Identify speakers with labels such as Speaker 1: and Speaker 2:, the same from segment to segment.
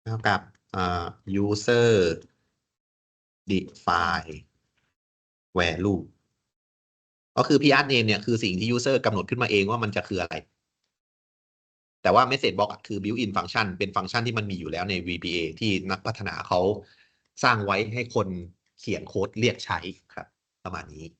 Speaker 1: เท่ากับuser define value ก็คือ PR name เนี่ยคือสิ่งที่ user กำหนดขึ้นมาเองว่ามันจะคืออะไร แต่ว่า message box คือ built-in function เป็นฟังก์ชันที่มันมีอยู่แล้วใน VBA ที่นักพัฒนาเขาสร้างไว้ให้คนเขียนโค้ดเรียกใช้ครับ ประมาณนี้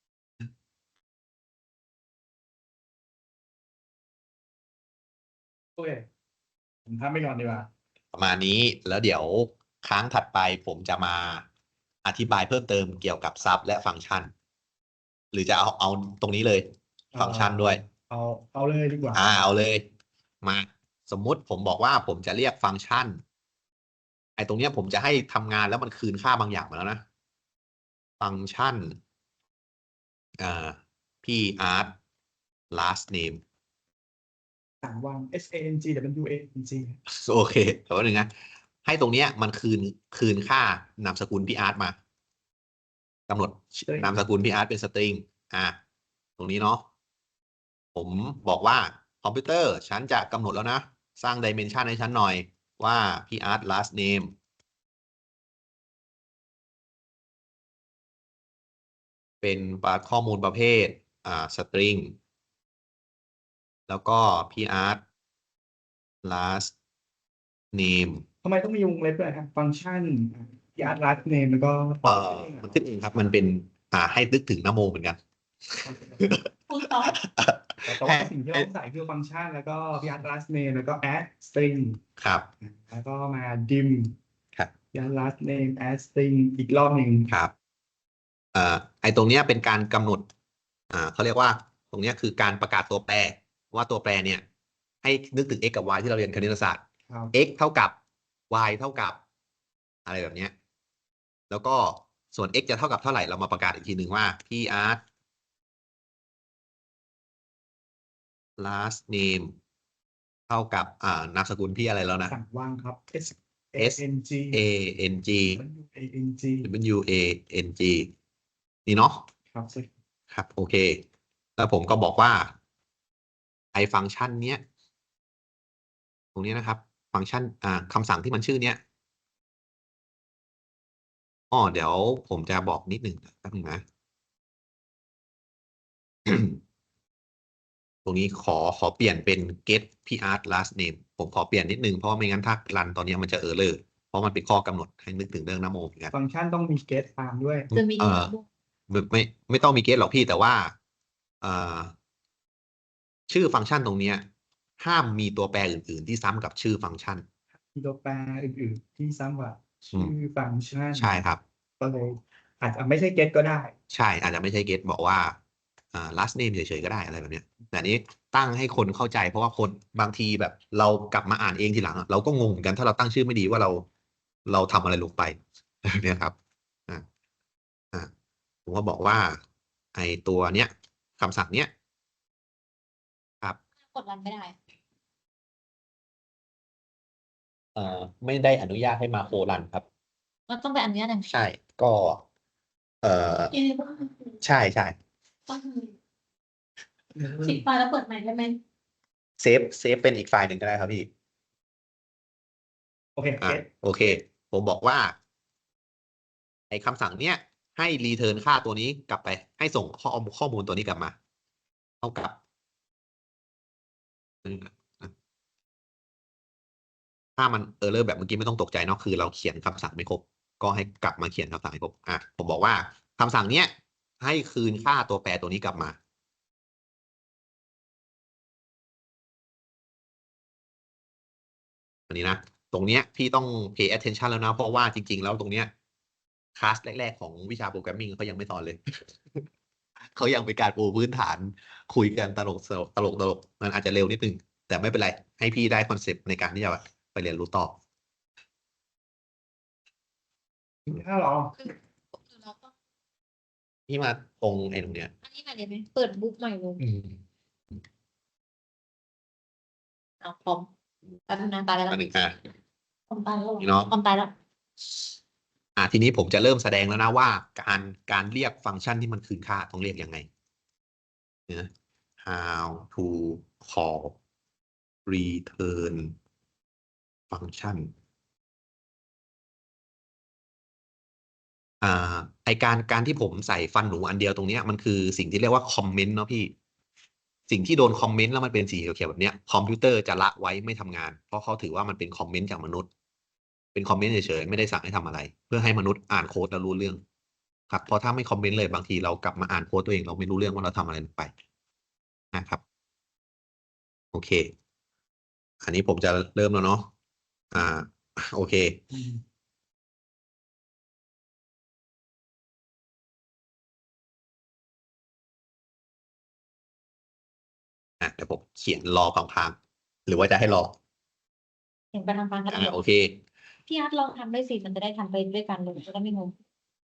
Speaker 2: โอเคผมทำไปก่อนดีกว่า
Speaker 1: ประมาณนี้แล้วเดี๋ยวครั้งถัดไปผมจะมาอธิบายเพิ่มเติมเกี่ยวกับซับและฟังก์ชัน หรือจะเอาตรงนี้เลยฟังก์ชันด้วย
Speaker 2: เอาเลยดีกว่า
Speaker 1: เอาเลยมาสมมุติผมบอกว่าผมจะเรียกฟังก์ชันไอ้ตรงเนี้ยผมจะให้ทำงานแล้วมันคืนค่าบางอย่างมาแล้วนะ ฟังก์ชันพี่อาร์ต last name
Speaker 2: ต่างวาง SANGWANG
Speaker 1: โอเคแต่ว่าหนึ่งนะให้ตรงเนี้ยมันคืนค่านามสกุลพี่อาร์ตมากำหนดนามสกุลพี่อาร์ตเป็นสตริงตรงนี้เนาะผมบอกว่าคอมพิวเตอร์ฉันจะกำหนดแล้วนะ สร้างดิเมนชันให้ฉันหน่อยว่าพี่อาร์ต last name เป็นข้อมูลประเภทสตริงแล้วก็พี่อาร์ต last name
Speaker 2: ทำไมต้องมีวงเล็บด้วยครับฟังก์ชันยาร์ดลัสเนมแล้วก็
Speaker 1: มันขึ้นเองครับมันเป็นให้นึกถึงนโมเหมือนกัน
Speaker 2: พูดต่อแต่ว่าสิ่งที่เราใส่คือฟังก์ชันแล้วก็ยาร์ดลัสเนมแล้วก็ add string
Speaker 1: ครับ
Speaker 2: แล้วก็มา dim
Speaker 1: ครับ
Speaker 2: ยาร์ดลัสเนม add string อีกรอบหนึ่ง
Speaker 1: ครับไอ้ตรงเนี้ยเป็นการกำหนดเขาเรียกว่าตรงเนี้ยคือการประกาศตัวแปรว่าตัวแปรเนี่ยให้นึกถึง x กับ y ที่เราเรียนคณิตศาสตร์ x เท่ากับ y เท่ากับอะไรแบบเนี้ยแล้วก็ส่วน x จะเท่ากับเท่าไหร่เรามาประกาศอีกทีหนึ่งว่าพี่อาร์ต last name เท่ากับนามสกุลพี่อะไรแล้วนะ
Speaker 2: สั่งวางครับ
Speaker 1: S A N G W A N G นี่เนาะครับโอเคแล้วผมก็บอกว่าไอ้ฟังก์ชันเนี้ยตรงนี้นะครับฟังก์ชันคำสั่งที่มันชื่อเนี้ยเดี๋ยวผมจะบอกนิดหนึ่งแป๊บนึงนะ ตรงนี้ขอเปลี่ยนเป็น get pr last name ผมขอเปลี่ยนนิดนึงเพราะไม่งั้นถ้ารันตอนนี้มันจะerror เพราะมันเป็นข้อกำหนดให้นึกถึงเรื่องนโมเหมือนกัน
Speaker 2: ฟังก์ชันต้องมี get ตามด้วย
Speaker 3: จะมี
Speaker 1: ไม่ต้องมี get หรอกพี่แต่ว่าชื่อฟังก์ชันตรงเนี้ยห้ามมีตัวแปรอื่นๆที่ซ้ำกับชื่อฟังก์ชัน
Speaker 2: มีตัวแปรอื่นๆที่ซ้ำกว่าชื่อฟังก์ชัน
Speaker 1: ใช่ครับ
Speaker 2: ก็เลยอาจจะไม่ใช่ get ก็ได้
Speaker 1: ใช่อาจจะไม่ใช่ get บอกว่าlast name เฉยๆก็ได้อะไรแบบเนี้ยแต่นี้ตั้งให้คนเข้าใจเพราะว่าคนบางทีแบบเรากลับมาอ่านเองทีหลังเราก็งงเหมือนกันถ้าเราตั้งชื่อไม่ดีว่าเราทำอะไรลงไปเนี่ยครับผมก็บอกว่าไอตัวเนี้ยคำสั่งเนี้ยครับ
Speaker 3: กดรันไม่ได้
Speaker 1: ไม่ได้อนุญาตให้มาโครันครับ
Speaker 3: มันต้องไปอันนี้หนึ่ง
Speaker 1: ใช่ก็ใช่ใช่
Speaker 3: ปิดไฟล์แล้วเปิดใหม่ได้ไหม
Speaker 1: เซฟเป็นอีกไฟล์หนึ่งก็ได้ครับพี่
Speaker 2: โอเค
Speaker 1: โอเค ผมบอกว่าไอ้คำสั่งเนี้ยให้รีเทิร์นค่าตัวนี้กลับไป ให้ส่งข้อมูลตัวนี้กลับมา เท่ากับถ้ามันerrorแบบเมื่อกี้ไม่ต้องตกใจเนาะคือเราเขียนคำสั่งไม่ครบก็ให้กลับมาเขียนคำสั่งให้ครบผมบอกว่าคำสั่งเนี้ยให้คืนค่าตัวแปรตัวนี้กลับมาอันนี้นะตรงเนี้ยพี่ต้อง pay attention แล้วนะเพราะว่าจริงๆแล้วตรงเนี้ยคลาสแรกๆของวิชาโปรแกรมมิ่งเขายังไม่สอนเลย เขายังเป็นการปูพื้นฐานคุยกันตลกมันอาจจะเร็วนิดนึงแต่ไม่เป็นไรให้พี่ได้คอนเซปต์ในการที่จะไปเรียนรู้ต่อ
Speaker 2: ถ้าเรา
Speaker 1: พี่มาตรงไอ้ตรงเนี้ย
Speaker 3: อันนี้ใหม่เลยไหมเปิดบุ๊กใหม่เลยเอาคอมแป๊บนึงนะตายแล้ว
Speaker 1: อันหนึ่ง
Speaker 3: คอมตายแล้ว
Speaker 1: นี่เนาะ
Speaker 3: คอมตายแล้ว
Speaker 1: ทีนี้ผมจะเริ่มแสดงแล้วนะว่าการเรียกฟังก์ชันที่มันคืนค่าต้องเรียกยังไงนะ how to call return function ไอการที่ผมใส่ฟันหนูอันเดียวตรงเนี้ยมันคือสิ่งที่เรียกว่าคอมเมนต์เนาะพี่สิ่งที่โดนคอมเมนต์แล้วมันเป็นสีเขียวๆแบบเนี้ยคอมพิวเตอร์จะละไว้ไม่ทำงานเพราะเขาถือว่ามันเป็นคอมเมนต์จากมนุษย์เป็นคอมเมนต์เฉยๆไม่ได้สั่งให้ทำอะไร เพื่อให้มนุษย์อ่านโค้ดแล้วรู้เรื่องครับเพราะถ้าไม่คอมเมนต์เลยบางทีเรากลับมาอ่านโค้ดตัวเองเราไม่รู้เรื่องว่าเราทำอะไรลงไปนะครับโอเค อันนี้ผมจะเริ่มแล้วเนาะอ่าโอเค เดี๋ยวผมเขียนรอพังๆหรือว่าจะให้รอ
Speaker 3: เห็นไปทางฟังกันเลย
Speaker 1: โอเค
Speaker 3: พี่อาร์ตลองทำด้วยสิมันจะได้ทำไปด้วยกันเลยจะได้ไม่งง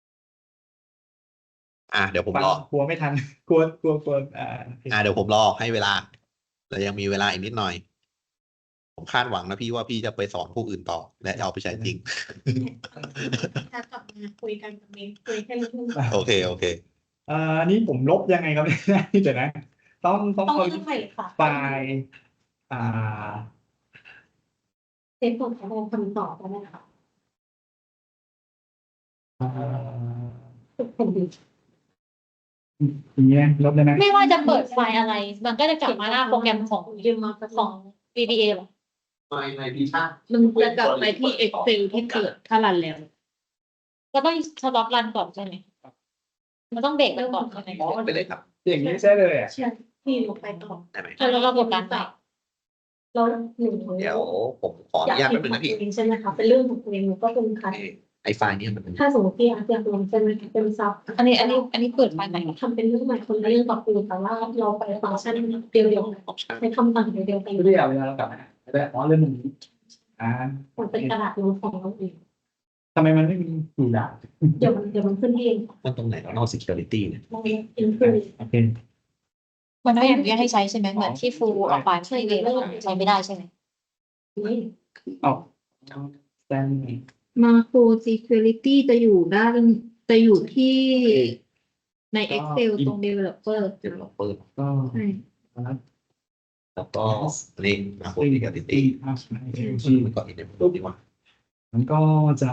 Speaker 1: เดี๋ยวผม
Speaker 2: ฟัง
Speaker 1: รอ
Speaker 2: กลัวไม่ทัน กลัว
Speaker 1: เดี๋ยวผมรอให้เวลาเรายังมีเวลาอีกนิดหน่อย ผมคาดหวังนะพี่ว่าพี่จะไปสอนผู้อื่นต่อ และเอาไปใช้จริง
Speaker 3: ถ้ากลับมาคุยกันกับเมย์คุยแค่เรื่อง
Speaker 1: โอเค โอเค
Speaker 2: อันนี้ผมลบยังไงครับเนี่ยเดี๋ยวนะ ต้อง
Speaker 3: ต้อง
Speaker 2: เอา
Speaker 3: เรื่องใหม่ค่ะ
Speaker 2: ไฟล์
Speaker 3: เซฟของเขาคำตอบแล้วนะคะ เป็นดี
Speaker 2: อย่างเงี้ยลบเลยนะ
Speaker 3: ไม่ว่าจะเปิดไฟล์อะไร มันก็จะกลับมาหน้าโปรแกรมของVBA หรอ
Speaker 1: ในพิชา
Speaker 4: มันจะกลับไปที่ Excel ที่เกิดถ้ารันแล้ว
Speaker 3: ก็ต้องสต็อปรันก่อนใช่ไหมมันต้องเบรกมันก่อนใช่ไหม
Speaker 1: ไปเลยครับ
Speaker 2: อย่างนี้ใช่เลยอ่ะ
Speaker 3: ใช่พี่ลงไปต่อ
Speaker 1: ได้ไหม
Speaker 3: แล้วเรากดดันไป
Speaker 4: แล้วหนู
Speaker 1: เดี๋ยวผมขออนุญาตแป๊บนึงนะพี่
Speaker 4: ใช่ไหมคะเป็นเรื่องของตัวเองหนูก็เป็นคัด
Speaker 1: ไอไฟล์เนี่ยมันเป็น
Speaker 4: ถ้าสมมติพี่อาร์ตอยากลงใช่ไหมเป็นซับ
Speaker 3: อันนี้เปิดไฟล์ใหม่
Speaker 4: ทำเป็นเรื่องใหม่คนละเรื่องกับคุณแต่ว่าเราไปฟังก์ชันเดียว
Speaker 1: ออปชั่น
Speaker 4: ๆใช้คำสั่งเดียวๆไป
Speaker 2: ไม่ได้เอาเวลาเรากลับมาแต่เรื่องนี้
Speaker 4: มันเป็นกระดาษโน้ตของเราเอง
Speaker 2: ทำไมมันไม่มีอยู่ด่าน
Speaker 4: เดี๋ยวมันขึ้นเอง
Speaker 1: มันตรงไหนแล้วนอก security เนี่ย
Speaker 4: เราอินคือ
Speaker 2: โอเค
Speaker 3: มันไม่อนุญาตให้ใช้ใช่ไหมเหมือนที่ฟูออกไฟล์ไม่เลยใช้ไม่ได้ใช่ไหม
Speaker 4: นี่
Speaker 2: เอาแซน
Speaker 5: Macro Security จะอยู่ที่ใน Excel ตรง Developer
Speaker 1: developer
Speaker 2: ก็
Speaker 5: ใช่
Speaker 1: แล้วก็นี่มา security มันก็ enable ดีกว่า
Speaker 2: มันก็จะ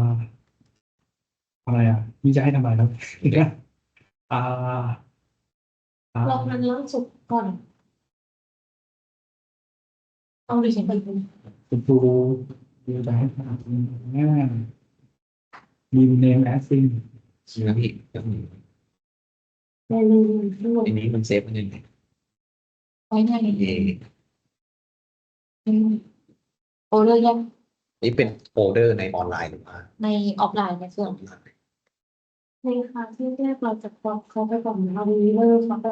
Speaker 2: อะไรนี่จะให้ทำอะไรครับอ่า
Speaker 4: เรามันล่าสุดก่อนเอาดิฉันไปดู
Speaker 2: คุณครูดูจะให้ทำง่ายมีเนมแอสซิง
Speaker 1: ใช่ไหมพี่
Speaker 4: ในทั้งหมด
Speaker 1: อันนี้มันเซฟมันยังไง
Speaker 3: ไว้ใน
Speaker 1: เอ
Speaker 3: โอเลอร์ยัง
Speaker 1: นี่เป็นโฟลเดอร์ในออนไลน์หรือว่า
Speaker 3: ในออฟไลน์ในเครื่อง
Speaker 4: ในคลาสที่แรกเราจะเขาไปก่อนเรามีเริ่มเขาไป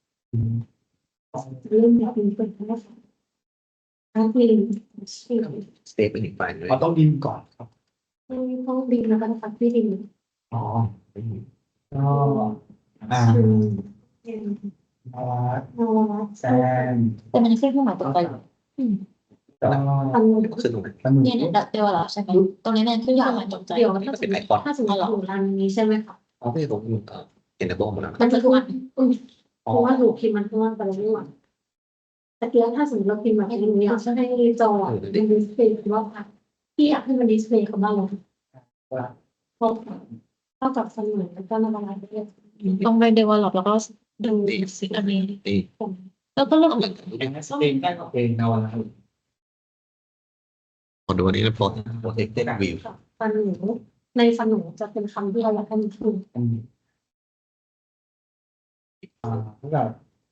Speaker 4: เริ่มแบบมีเป็นแค่อันนี้ชื่อ
Speaker 1: เซฟเป็นอีกไฟล์หนึง
Speaker 2: เราต้องดินก่อนครับ
Speaker 4: ต้องบินแล้วก็นะคะที่ดิน
Speaker 2: อ๋อก็
Speaker 4: ชื่อ
Speaker 2: นวัด
Speaker 4: นวัด
Speaker 2: แซน
Speaker 3: แต่มันขึ้นเครื่องหมายตกใจ
Speaker 2: ก็
Speaker 4: อัน
Speaker 1: ขึ้นตรงไหน
Speaker 2: สนุก
Speaker 3: เนี่ยเดี๋ยวเหรอใช่ไหมตรงนี้เนี่ยขึ้นเครื่องหมายตกใจ
Speaker 4: เดี๋ยวถ้าสมมติอยู่รันนี้ใช่ไหมคะ
Speaker 1: อ๋อไม่ตรงนี้enable หมดแล้ว
Speaker 4: มันจะทุกวันเพราะว่าหนูพิมพ์มันทุกวันไปแล้วนี่หว่าแต่เดี๋ยวถ้าสมมติเราพิมพ์แบบนี้อยากจะให้จอเป็นดิสเพย์คำว่าพี่อยากให้มันดิสเพย์คำว่าอะไรเพราะเท่ากับเสมือนแล้วก็ระบายไปเรื่อย
Speaker 3: ต้องไป develop แล้วก็ดูสิ่งอันนี้
Speaker 1: นี่
Speaker 3: แล้วก็เลือก
Speaker 2: เองนวัด
Speaker 1: ขอดูอันนี้นะ protected view
Speaker 4: ฟันหนูในฟันหนูจะเป็นคำที่เราอยากให้มันถูก
Speaker 2: เท่ากับ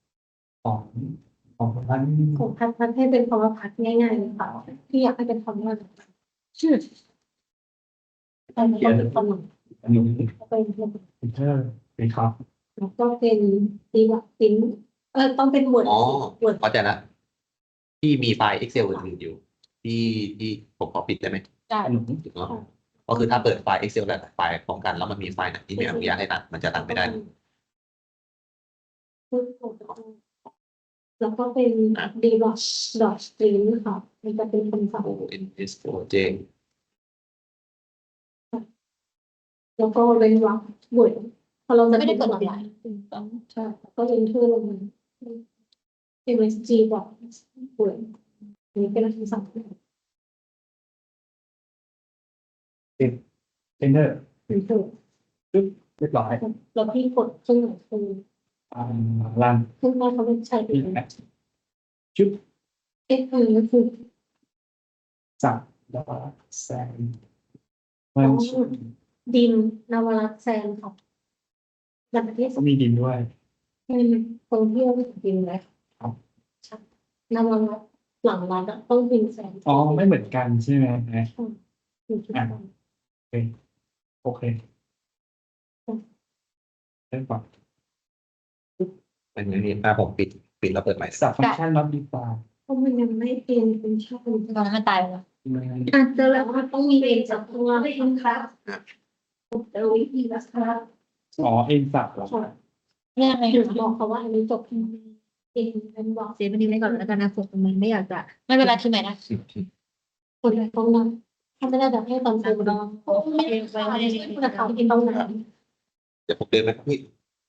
Speaker 2: ของท่าน
Speaker 4: ของพัดให้เป็นคำว่าพัดง่ายๆเลยค่ะพี่อยากให้เป็นคำว่าชื่อแต่ไม่ต้องเป็นฟันหนู
Speaker 2: อันนี้
Speaker 4: เป็น
Speaker 2: เป็นเทอร์เป็นครับ
Speaker 4: แล้วก็เป็นตีวัดติ้นต้องเป็น word
Speaker 1: อ๋อ
Speaker 4: word
Speaker 1: เข้าใจละที่มีไฟล์ Excel อื่นๆอยู่ ที่ผมขอปิดได้ไหม
Speaker 3: ได้
Speaker 2: ขนม
Speaker 1: ถูกต้องก็คือถ้าเปิดไฟล์ Excel หลายๆไฟล์พร้อมกันแล้วมันมีไฟล์ไหนที่ไม่อนุญาตให้ตัดมันจะตัดไม่ได้
Speaker 4: แล้วก็เป็น dot string ค่ะมันจะเป็นคำสั่ง
Speaker 1: ONS OJ
Speaker 4: แล้วก็เว้นวรรค word พอเราจะ
Speaker 3: ไม่ได้เปิดออนไลน์
Speaker 4: ใช่ก็เอนเทอร์ลงมา MSG แบบ word นี่เป็นคำสั่ง
Speaker 2: เป็นเทอร์
Speaker 4: enter
Speaker 2: ปึ๊บเรียบร้อย
Speaker 4: แล้วพี่กดเครื่องหมายคือ
Speaker 2: รัน
Speaker 4: เครื่องหมายเขาเป็นใช้เอ
Speaker 2: ที่
Speaker 4: ง
Speaker 2: แอดชุด
Speaker 4: เอ็กซ์คือ
Speaker 2: สับดอแซนมันชุด
Speaker 4: ดินนวรัตน์แซนค่ะแบบประเทศ
Speaker 2: ก็มีดินด้วย
Speaker 4: เป็นคนเที่ยวดินเลย
Speaker 2: ครับ
Speaker 4: ใช่นวรัตน์หลังรัฐอะต้องดินแซน
Speaker 2: อ๋อไม่เหมือนกันใช่ไหมนะ
Speaker 4: อยู่ที่นั่น
Speaker 2: โอเคเริ่มก่อน
Speaker 1: เป็นอย่างนี้ผมปิดแล้วเปิดใหม่
Speaker 2: สับฟังก์ชันรับดีกว่า
Speaker 4: เพราะมันยังไม่เป็นชาติ
Speaker 3: ตอนนั้นมันตายไปแล้ว
Speaker 5: อาจจะ
Speaker 4: แล้
Speaker 5: แล้ว ว
Speaker 4: มันต้องมีเองจากตัวไม่เองครับแต่วิธีรักษา
Speaker 2: อ๋อเองสับเหรอ
Speaker 3: เรื่องอะไร
Speaker 4: ถึง
Speaker 3: คะ
Speaker 4: บอกเขาว่าอันนี้จบที่เองเป็นบอก
Speaker 5: เซฟอันนี้ไว้ก่อนแล้วกันนะผมมันไม่อยากจะ
Speaker 3: ไม่เป็นไรคือไหนนะ
Speaker 4: คนไหนต้องนั้นถ้าไม่ได้แบบให้ตอนเซ็นลองไม่ได้ไปไม่ได้คุณจะทำกินตรงไหน
Speaker 1: เดี๋ยวผมเดินไปพี่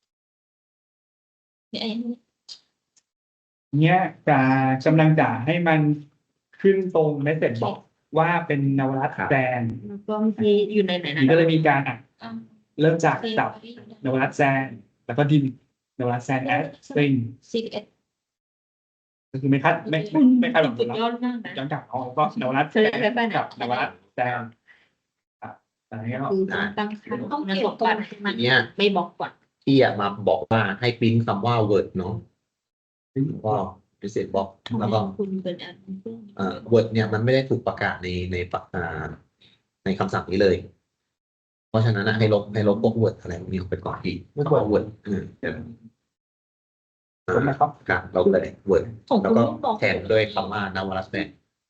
Speaker 3: เนี่ยอันนี้
Speaker 2: เนี้ยกำลังจะให้มันขึ้นตรงเมสเซจบอกว่าเป็นนวรัตน์แซน
Speaker 5: แล้วก็มีอยู่ในไหน
Speaker 2: นี่ก็เลยมีการเริ่มจาก
Speaker 3: คือ
Speaker 2: สับนวรัตน์แซนแล้วก็ดินนวรัตน์แซนแอดสตริง
Speaker 3: CDS
Speaker 2: ก็คือไม่คาดหวังผ
Speaker 5: สุ
Speaker 2: ล
Speaker 5: ด
Speaker 2: ลัพธ์
Speaker 5: ยอดมากนะ
Speaker 2: ย้อนกลับเอาก็นวรัตน์แซนกับนวรัตน์แซนอันนี้ก็
Speaker 5: คือตั้งค่าต้องเก็บก่อนให้มัน
Speaker 1: ทีเนี้ย
Speaker 5: ไม่บอกก่อน
Speaker 1: พี่มาบอกว่าให้ปริ้นคำว่า word เนาะก็พิเศษบอกแล้วก็
Speaker 5: คุณเป็นอัน
Speaker 1: word เนี่ยมันไม่ได้ถูกประกาศในคำสั่งนี้เลย เพราะฉะนั้นให้ลบพวก word อะไรพวกนี้ออกไปก่อนที่คำว่า word เดี๋ยว
Speaker 2: ผมนะครับ
Speaker 1: ครับเราเลย word
Speaker 5: ของ
Speaker 1: แล้ว
Speaker 5: คุณ
Speaker 1: ก็
Speaker 5: ไม่บอก
Speaker 1: แทนด้วยคำว่านวรัตน์แซน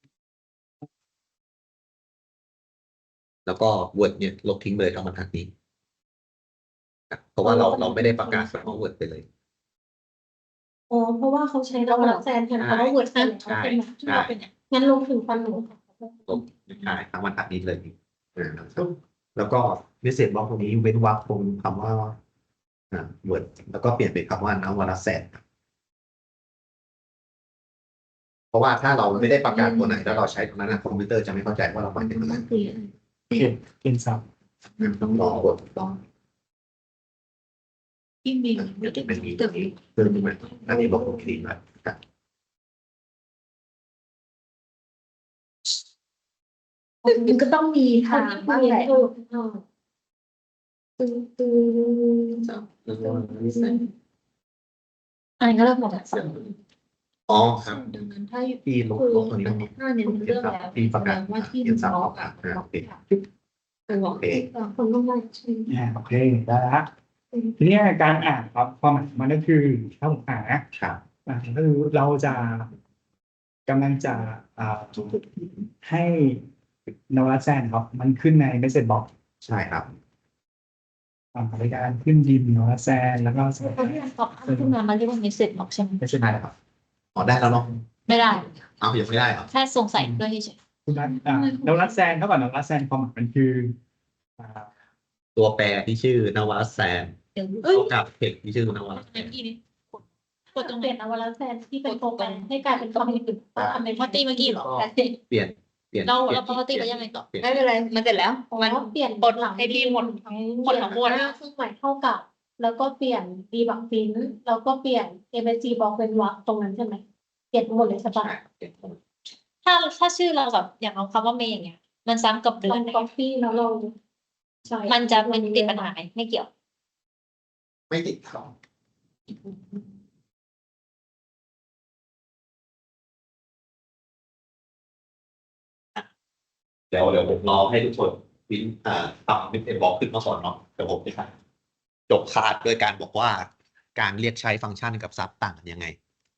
Speaker 1: แล้วก็ word เนี่ยลบทิ้งเลยทั้งบรรทัดนี้ครับเพราะว่าเราไม่ได้ประกาศคำว่า word ไปเลย
Speaker 4: อ๋อเพราะว่าเขาใช้นวรัตน์แซนแทนเขาว่าเวิร์ดแซน
Speaker 1: ใช่
Speaker 4: ใช่ไหมงั้นลงถึงฟันหนู
Speaker 1: ลบใช่ทั้งบรรทัดนี้เลยแล้วก็วิเศษบล็อกตรงนี้เว้นวรรคตรงคำว่าword แล้วก็เปลี่ยนเป็นคำว่านวรัตน์แซนเพราะว่าถ้าเราไม่ได้ประกาศตัวไหนแล้วเราใช้ตรงนั้นคอมพิวเตอร์จะไม่เข้าใจว่าเราหมายถึงอะไร
Speaker 2: เป็นสับ
Speaker 1: ต้องรอกด
Speaker 5: ที่มี
Speaker 1: เป็นมีเพิ่มขึ้นมาอันนี้บอกผมคลีนแล้วครับ
Speaker 5: มันก็ต้องมีทางบ้างแหละ
Speaker 4: ตึง
Speaker 1: แล้วก็วิเศษ
Speaker 3: อันนี้ก็เริ่มหมดแล้ว
Speaker 1: อ๋อครับ
Speaker 5: ดังนั้นถ้า
Speaker 1: ที่ลบตัวนี้
Speaker 5: ถ้าเนี่ยมันเรื่องแล้ว
Speaker 1: ที่ประกาศ
Speaker 5: ว่าที่
Speaker 1: เขียนสับ
Speaker 5: บ
Speaker 1: อ
Speaker 5: อ
Speaker 1: อก กโอเค
Speaker 5: ไปบอก
Speaker 1: โอเค
Speaker 4: คนต้องมาใช่
Speaker 2: โอเคได้ละทีนี้การอ่านครับความหมายมันก็คือถ้าผมอ่านนะครับ ก็คือเราจะกำลังจะให้นวรัตน์แซนครับ มันขึ้นในเมสเซจบ็อก
Speaker 1: ใช่ครับ
Speaker 2: ในการขึ้นดินนวรัตน์แซนแล้วก็
Speaker 3: ตอนที่มันตอบขึ้นมามันเรียกว่ามิสเซจบอกใช่ไหม
Speaker 2: ไม่ใช่
Speaker 1: ได้ครับอ๋อได้แล้วเนาะ
Speaker 3: ไม่ได้
Speaker 1: เอายังไม่ได้เหรอ
Speaker 3: แค่สงสัยด้วยเฉย
Speaker 2: คุณนัทนวรัตน์แซนเท่ากับนวรัตน์แซนความหมายมันคืออ่า
Speaker 1: ตัวแปรที่ชื่อนวรัตน์แซน
Speaker 5: เดี๋ยว
Speaker 3: เอ้ย
Speaker 1: เท่ากับเพจที่ชื่อนวรัตน์แซน
Speaker 3: อีนี่กดตรงไห
Speaker 4: เป
Speaker 3: น
Speaker 4: ลี่ยนนวรัตน์แซนที่เป็นโปรแกรมให้กลายเป็นคำอื่นก็ทำเป็น
Speaker 3: พอตีเมื่อกี้เหรอ
Speaker 1: เปลี่ยน
Speaker 3: เราปกติไปยังไงต่อ
Speaker 5: ไม่เป็นไรมันเสร็จแล้ว
Speaker 4: มันเปลี่ยน
Speaker 3: บทหลังให้พี่หมดทั้งหมดทั้งมวล
Speaker 4: เครื่องหมายเท่ากับ แล้วก็เปลี่ยนดีบักฟินแล้วก็เปลี่ยน MSG บอกเป็นวรรคตรงนั้นใช่ไหมเปลี่ยนหมดเลยใช่ปะ
Speaker 3: ถ้าชื่อเราแบบอย่างเอาคำว่าเมย์อย่างเงี้ย มันซ้ำกับเดื
Speaker 4: ล
Speaker 3: อ
Speaker 4: อน งก๊อปปี้แล้วเราใช่
Speaker 3: มันจะเป็นติดปัญหาไหมไม่เกี่ยว
Speaker 1: ไม่ติดครับเดี๋ยวผมรอให้ทุกคนพิมพ์ทำเป็นบล็อกขึ้นมาก่อนเนาะเดี๋ยวผมจะจบคลาสด้วยการบอกว่าการเรียกใช้ฟังก์ชันกับซับต่างกันยังไง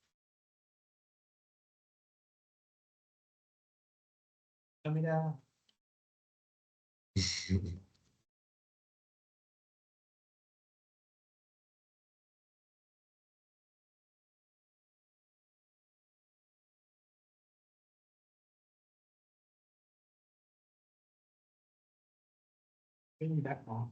Speaker 2: ก็ไม่ได้ไม่มีแบ็คออฟ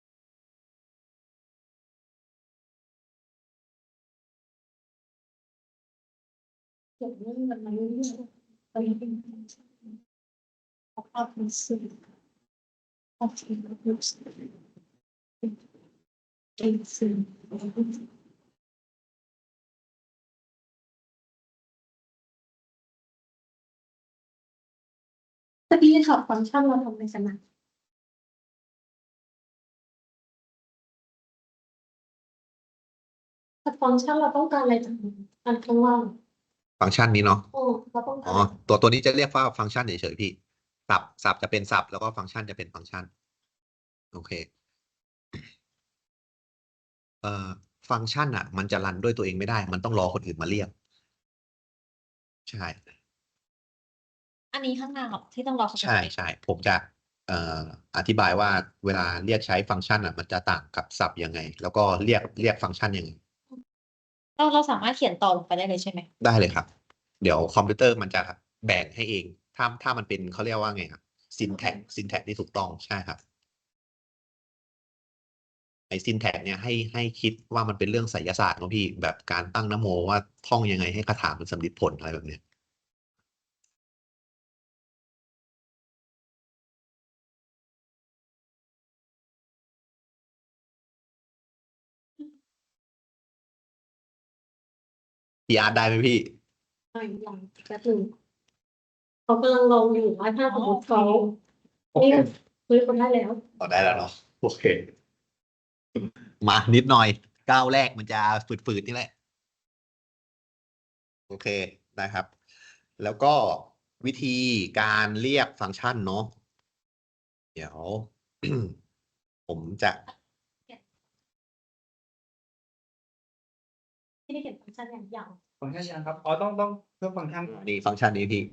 Speaker 4: เก็บเรื่องมันมาเรื่อยๆไปเป็นภาพเป็นสื่อภาพที่เรารู้สึกตะกี้ถอดฟังก์ชันเราทำไปสนะแต่ฟังก์ชันเราต้องการอะไรจากมันอันข้างล่าง
Speaker 1: ฟังก์ชันนี้เนาะ
Speaker 4: โอ้เราต้อง
Speaker 1: อ๋
Speaker 4: กา
Speaker 1: อ
Speaker 4: ร
Speaker 1: ตัวนี้จะเรียกว่าฟังก์ชันเฉยๆพี่ศัพท์จะเป็นศัพท์แล้วก็ฟังก์ชันจะเป็นฟังก์ชันโอเคฟังก์ชันอ่ะ มันจะรันด้วยตัวเองไม่ได้ มันต้องรอคนอื่นมาเรียก ใช่
Speaker 3: อันนี้ข้างหน้าหรอที่ต้องรอเขา
Speaker 1: ใช่ผมจะอธิบายว่าเวลาเรียกใช้ฟังก์ชันอ่ะ มันจะต่างกับศัพท์ยังไง แล้วก็เรียกฟังก์ชันยังไง
Speaker 3: เราสามารถเขียนต่อลงไปได้เลยใช่ไหม
Speaker 1: ได้เลยครับ เดี๋ยวคอมพิวเตอร์มันจะแบ่งให้เอง ถ้ามันเป็นเขาเรียกว่าไงครับsyntax ที่ถูกต้องใช่ครับไอ้ syntax เนี่ยให้คิดว่ามันเป็นเรื่องไสยศาสตร์เนอะพี่แบบการตั้งนโมว่าท่องยังไงให้คาถามันสำลิดผลอะไรแบบเนี้ยพี่อาร์ตได้ไหมพี่
Speaker 4: หน่อยหลังแป๊บหนึงเขากำลังลองอยู่ว่าถ้าสมมติเขา
Speaker 2: โอเค
Speaker 4: เฮ้ยเขาได้แล้ว
Speaker 1: ต่อได้แล้วเนาะโอเค มานิดหน่อยก้าวแรกมันจะฝืดๆนี่แหละ โอเคนะครับ แล้วก็วิธีการเรียกฟังก์ชันเนาะเดี๋ยว ผมจะ
Speaker 4: ที่ได้เขียนฟังก์ชันอย่างอย่าง
Speaker 2: ฟังก์ชันยังครับอ๋อต้องเพิ่มฟังก์ชัน
Speaker 1: นี่ฟังก์ชันนี้พี่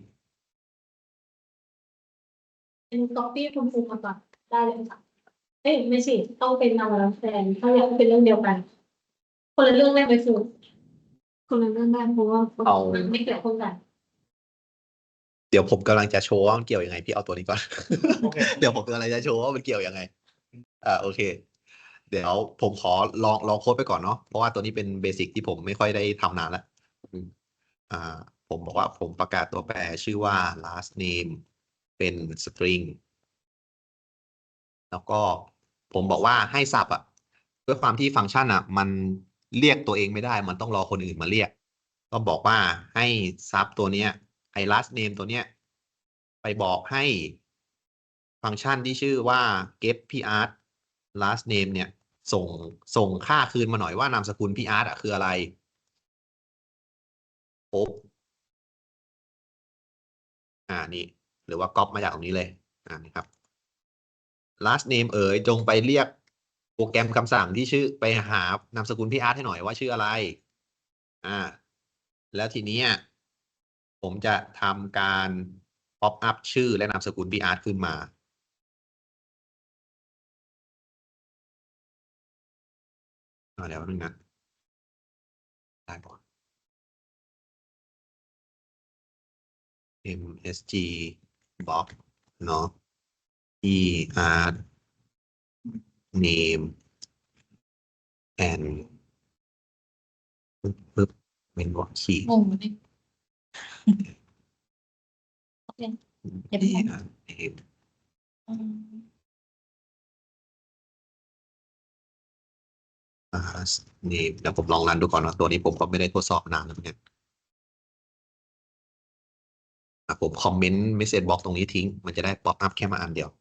Speaker 4: เป็น copy คุณครูมาก่อนได้เลยค่ะเอ้ยไม่ใช่ต้องเป็นนามแล้วแฟนถ้าอยากให้เป็นเรื่องเดียวกัน คนละเรื่องได้ไหมครูคนละเรื่องได้เพราะว่า
Speaker 1: เอา
Speaker 4: มันไม่เกี่ยวข้องกัน
Speaker 1: เดี๋ยวผมกำลังจะโชว์ว่ามันเกี่ยวยังไงพี่เอาตัวนี้ก่อน
Speaker 2: โอเค
Speaker 1: เดี๋ยวผมกำลังจะโชว์ว่ามันเกี่ยวยังไงโอเค เดี๋ยวผมขอลองโค้ดไปก่อนเนาะเพราะว่าตัวนี้เป็นเบสิกที่ผมไม่ค่อยได้ทำนานแล้วอ่าผมบอกว่าผมประกาศตัวแปรชื่อว่า last name เป็น string แล้วก็ผมบอกว่าให้ศัพท์อ่ะด้วยความที่ฟังก์ชันอ่ะ มันเรียกตัวเองไม่ได้ มันต้องรอคนอื่นมาเรียก ก็บอกว่าให้ซับตัวเนี้ยไอ้ last name ตัวเนี้ยไปบอกให้ฟังก์ชันที่ชื่อว่า get part last name เนี่ยส่งค่าคืนมาหน่อยว่านามสกุลพี่อาร์ตอ่ะคืออะไรโอ๊บนี่หรือว่าก๊อปมาจากตรงนี้เลยนี่ครับ last name จงไปเรียกโปรแกรมคำสั่งที่ชื่อไปหานามสกุลพี่อาร์ตให้หน่อยว่าชื่ออะไรแล้วทีนี้ผมจะทำการ pop up ชื่อและนามสกุลพี่อาร์ตขึ้นมาเดี๋ยวนึงนะได้ก่อน msg box เนาะ er name and ปึ๊บเป็นบล็อกขีด
Speaker 3: งงไหมโอเค เดี๋ยวผม
Speaker 1: name
Speaker 3: อืม
Speaker 1: name เดี๋ยวผมลองรันดูก่อนนะตัวนี้ผมก็ไม่ได้ทดสอบนานแล้วเนี่ยผมคอมเมนต์ message box ตรงนี้ทิ้ง มันจะได้ pop up แค่มาอันเดียว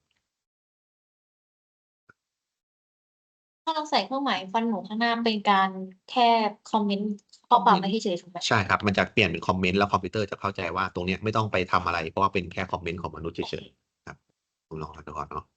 Speaker 3: ถ้าเราใส่เครื่องหมายฟันหนูข้างหน้าเป็นการแค่คอมเมนต์ข้อความไม่เฉยๆถูกไหม
Speaker 1: ใช่ครับ มันจะเปลี่ยนเป็นคอมเมนต์แล้วคอมพิวเตอร์จะเข้าใจว่าตรงเนี้ยไม่ต้องไปทำอะไร เพราะว่าเป็นแค่คอมเมนต์ของมนุษย์เฉยๆครับผมลองดูก่อนเนาะ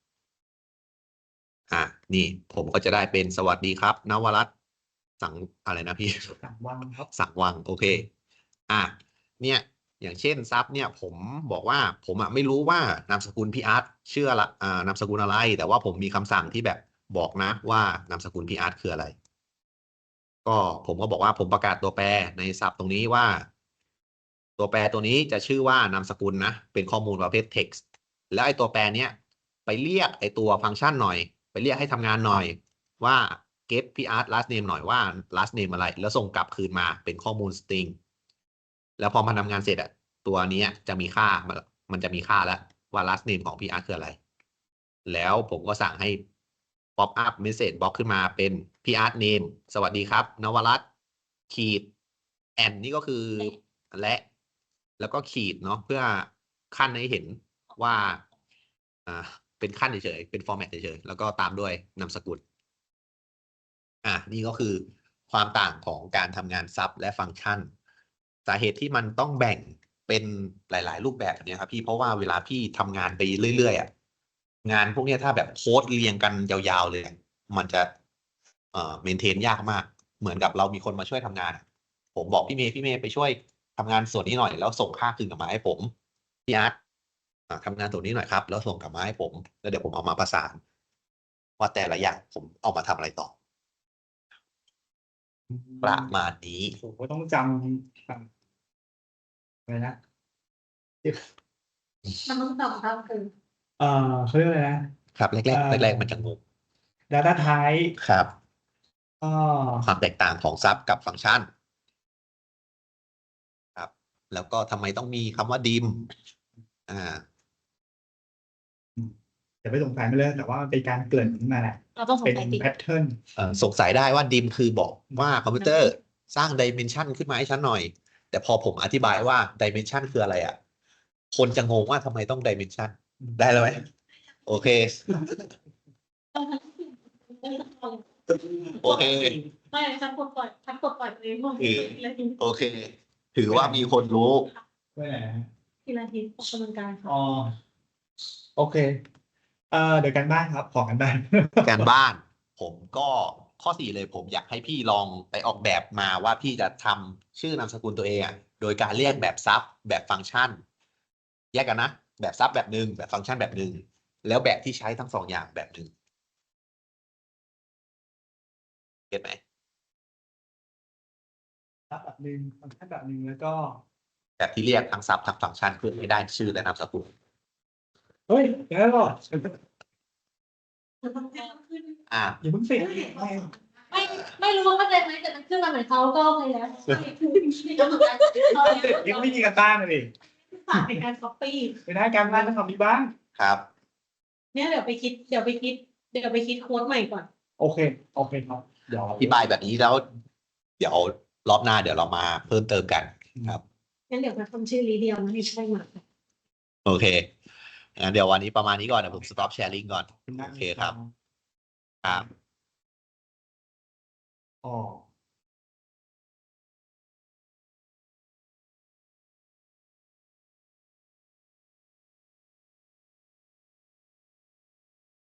Speaker 1: นี่ผมก็จะได้เป็นสวัสดีครับนวรัตน์สังอะไรนะพี่
Speaker 2: สั่งวางครับ
Speaker 1: สังวังโอเคเนี่ยอย่างเช่นซับเนี่ยผมบอกว่าผมไม่รู้ว่านามสกุลพี่อาร์ตชื่ออะไรนามสกุลอะไร แต่ว่าผมมีคำสั่งที่แบบบอกนะว่านามสกุลพี่อาร์ตคืออะไร ก็ผมก็บอกว่าผมประกาศตัวแปรในศัพท์ตรงนี้ว่า ตัวแปรตัวนี้จะชื่อว่านามสกุลนะเป็นข้อมูลประเภท text แล้วไอ้ตัวแปรเนี้ยไปเรียกไอ้ตัวฟังก์ชันหน่อยไปเรียกให้ทำงานหน่อยว่า get พี่อาร์ต last name หน่อยว่า last name อะไรแล้วส่งกลับคืนมาเป็นข้อมูล string แล้วพอมันทำงานเสร็จตัวนี้จะมีค่ามันจะมีค่าแล้วว่า last name ของพี่อาร์ตคืออะไรแล้วผมก็สั่งให้ป๊อปอัพเมสเซจบล็อกขึ้นมาเป็นพี่อาร์ตเนมสวัสดีครับนวรัตน์ขีดแอนนี่ก็คือแล้วก็ขีดเนาะเพื่อขั้นให้เห็นว่าเป็นขั้นเฉยๆเป็นฟอร์แมตเฉยๆแล้วก็ตามด้วยนามสกุลนี่ก็คือความต่างของการทำงานซับและฟังก์ชันสาเหตุที่มันต้องแบ่งเป็นหลายๆรูปแบบเนี่ยครับพี่เพราะว่าเวลาพี่ทำงานไปเรื่อยๆงานพวกนี้ถ้าแบบโค้ดเรียงกันยาวๆเลยมันจะเมนเทนยากมากเหมือนกับเรามีคนมาช่วยทำงานผมบอกพี่เมย์ไปช่วยทำงานส่วนนี้หน่อยแล้วส่งค่าคืนกลับมาให้ผมพี่อาร์ตทำงานส่วนนี้หน่อยครับแล้วส่งกลับมาให้ผมแล้วเดี๋ยวผมเอามาประสานว่าแต่ละอย่างผมเอามาทำอะไรต่อประมาณนี้
Speaker 2: ผมก็ต้องจำอะไรนะ
Speaker 4: มันต้องตอบครับคือ
Speaker 2: เขาเรียกอะไรนะครับ
Speaker 1: แรกมันจะงง
Speaker 2: data type
Speaker 1: ครับ
Speaker 2: ก็
Speaker 1: ความแตกต่างของซับกับฟังก์ชันครับแล้วก็ทำไมต้องมีคำว่าดิม
Speaker 2: อย่าไปสงสัยมันเลยแต่ว่ามันเป็นการเกริ่นขึ้นมาแหละ
Speaker 3: เราต้องสง
Speaker 2: เป็น
Speaker 3: สัยติ
Speaker 2: แพทเทิร์น
Speaker 1: สงสัยได้ว่าดิมคือบอกว่าคอมพิวเตอร์สร้างดิเมนชันขึ้นมาให้ฉันหน่อย แต่พอผมอธิบายว่าดิเมนชันคืออะไรคนจะงงว่าทำไมต้องดิเมนชันได้แล้วไหมโอเค โอเค
Speaker 4: ไม่ฉันกดปล่อยตัวเองหมดเลย
Speaker 1: โอเค ถือว่ามีคนรู้
Speaker 2: ไม่ไหนฮะ
Speaker 4: ทีละทีออกกำลังกายค่ะ
Speaker 2: อ๋อโอเคเดี๋ยวกันบ้านครับขอกันบ้าน
Speaker 1: การบ้านผมก็ข้อ4เลยผมอยากให้พี่ลองไปออกแบบมาว่าพี่จะทำชื่อนามสกุลตัวเองโดยการเรียกแบบซับแบบฟังก์ชัน แยกกันนะ แบบซับแบบหนึ่งแบบฟังก์ชันแบบหนึ่งแล้วแบบที่ใช้ทั้งสองอย่างแบบหนึ่งเก็ตไหม
Speaker 2: แบบหนึ่งฟังก์ชันแบบหนึ่งแล้วก็
Speaker 1: แบบที่เรียกทั้งซับทั้งฟังก์ชันเพื่อให้ได้ชื่อและนามสกุล
Speaker 2: เฮ้ยเดี๋ยวก่อน
Speaker 1: อ่า
Speaker 2: อย่าเพิ่งสิ
Speaker 4: ไม่รู้ว่าเข้าใจไหมแต่มันขึ้นมาเหมือนเขาก็ไปแล้ว
Speaker 2: ยังไม่มีกันบ้านเลย
Speaker 4: ฝากเป็นการก๊อปปี้
Speaker 2: ไม่ได้การบ้านต้องทำมีบ้าง
Speaker 1: ครับ
Speaker 4: เนี่ยเดี๋ยวไปคิดโค้ดใหม่ก่อน
Speaker 2: โอเคครับเดี๋ยว
Speaker 1: อธิบายแบบนี้แล้ว เดี๋ยวรอบหน้าเดี๋ยวเรามาเพิ่มเติมกันครับ
Speaker 4: งั้นเดี๋ยวไปทำชื่อรีเดียวมาให้ใช่ไหม
Speaker 1: โอเคงั้นเดี๋ยววันนี้ประมาณนี้ก่อนเดี๋ยวผม stop sharing ก่อน โอเคครับ ครับ
Speaker 2: อ๋อ